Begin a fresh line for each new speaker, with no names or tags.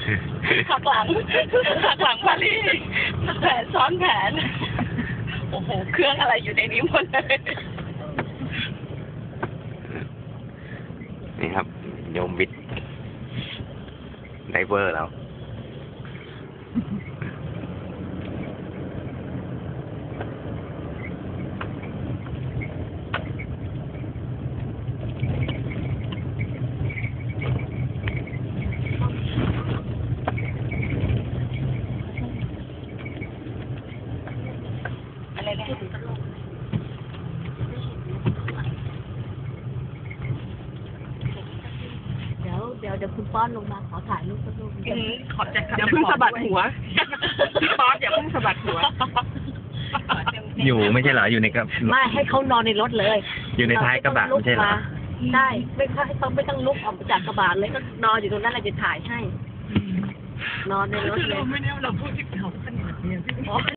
หักหลังพารีแผนซ้อนแผนโอ้โหเครื่องอะไรอยู่ในนี้หมดเลย
นี่ครับโยมบิดไดเวอร์เรา
อะไรนะ
เดี๋ยวคุณป้อนลงมาขอถ่ายรูปสักรูป
ขอบใจครับ
อย่าเพิ่งสะบัดหัวป๊อปอย่าเพิ่งสะบัดหัว
อยู่ไม่ใช่เหรออยู่ในกระ
ไม่ให้เขานอนในรถเลย
อยู่ในท้ายกระบะไม่ใช่เหรอ
ใช่ไม่ต้องลุกออกมาจากกระบะเลยก็นอนอยู่ตรงนั้นเราจะถ่ายให้ นอนในรถเลย
ไม่แน่เราพูดที่